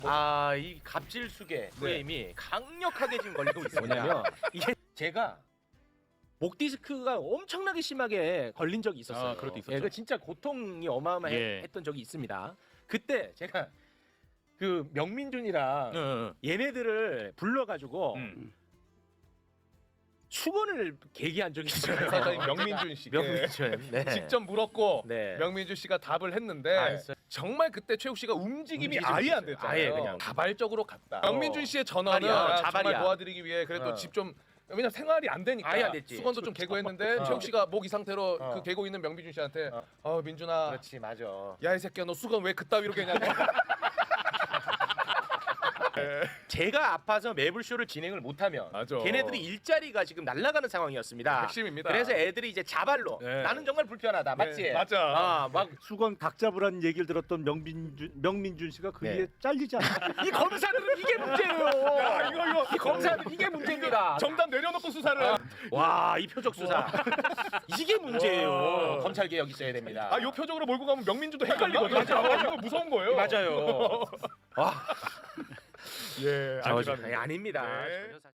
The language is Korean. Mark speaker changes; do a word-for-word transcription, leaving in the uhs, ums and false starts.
Speaker 1: 아, 이 갑질수계 프레임이 강력하게 지금 걸리고 있습니다.
Speaker 2: 뭐냐면
Speaker 1: 이게 제가 목 디스크가 엄청나게 심하게 걸린 적이 있었어요.
Speaker 2: 아, 그럴 때 있었죠.
Speaker 1: 예, 그 진짜 고통이 어마어마했던
Speaker 2: 예.
Speaker 1: 적이 있습니다. 그때 제가 그 명민준이랑
Speaker 2: 응,
Speaker 1: 얘네들을 불러가지고
Speaker 2: 응.
Speaker 1: 수건을 계기한 적이 있어요.
Speaker 3: 사장님 명민준 씨께
Speaker 1: 명민준. 네.
Speaker 3: 직접 물었고
Speaker 1: 네.
Speaker 3: 명민준 씨가 답을 했는데
Speaker 1: 아, 했어요.
Speaker 3: 정말 그때 최욱 씨가 움직임이
Speaker 1: 움직이지
Speaker 3: 아예 안
Speaker 1: 못했어요.
Speaker 3: 됐잖아요.
Speaker 1: 아예 그냥.
Speaker 3: 자발적으로 갔다.
Speaker 1: 어.
Speaker 3: 명민준 씨의 전화는
Speaker 1: 자발이야,
Speaker 3: 정말
Speaker 1: 자발이야.
Speaker 3: 도와드리기 위해 그래도
Speaker 1: 어.
Speaker 3: 집 좀 왜냐면 생활이 안 되니까
Speaker 1: 아예 안 됐지.
Speaker 3: 수건도 좀 개고 했는데
Speaker 1: 어.
Speaker 3: 최욱 씨가 목 이 상태로
Speaker 1: 어.
Speaker 3: 그 개고 있는 명민준 씨한테
Speaker 1: 어.
Speaker 3: 어 민준아
Speaker 1: 그렇지, 맞아.
Speaker 3: 야 이 새끼야 너 수건 왜 그따위로 개냐.
Speaker 1: 제가 아파서 매불쇼를 진행을 못하면
Speaker 3: 맞아.
Speaker 1: 걔네들이 일자리가 지금 날아가는 상황이었습니다.
Speaker 3: 핵심입니다.
Speaker 1: 그래서 애들이 이제 자발로
Speaker 3: 네.
Speaker 1: 나는 정말 불편하다, 맞지?
Speaker 3: 네, 맞아.
Speaker 1: 아, 막
Speaker 4: 수건 각 잡으라는 얘기를 들었던 명민준 명민준 씨가 그게
Speaker 1: 네.
Speaker 4: 잘리지 않나?
Speaker 1: 이 검사들은 이게 문제예요.
Speaker 3: 야, 이거 이거
Speaker 1: 이 검사들 이게 문제입니다.
Speaker 3: 정답 내려놓고 수사를.
Speaker 1: 와, 이 표적 수사 이게 문제예요.
Speaker 3: 와.
Speaker 1: 검찰 개혁 있어야 됩니다.
Speaker 3: 아, 요 표적으로 몰고 가면 명민준도 헷갈리거든. 맞아. 이거 무서운 거예요.
Speaker 1: 맞아요. 와,
Speaker 3: 예,
Speaker 1: 저,
Speaker 3: 아직은
Speaker 1: 아니, 아닙니다.
Speaker 3: 네.
Speaker 1: 전혀 사-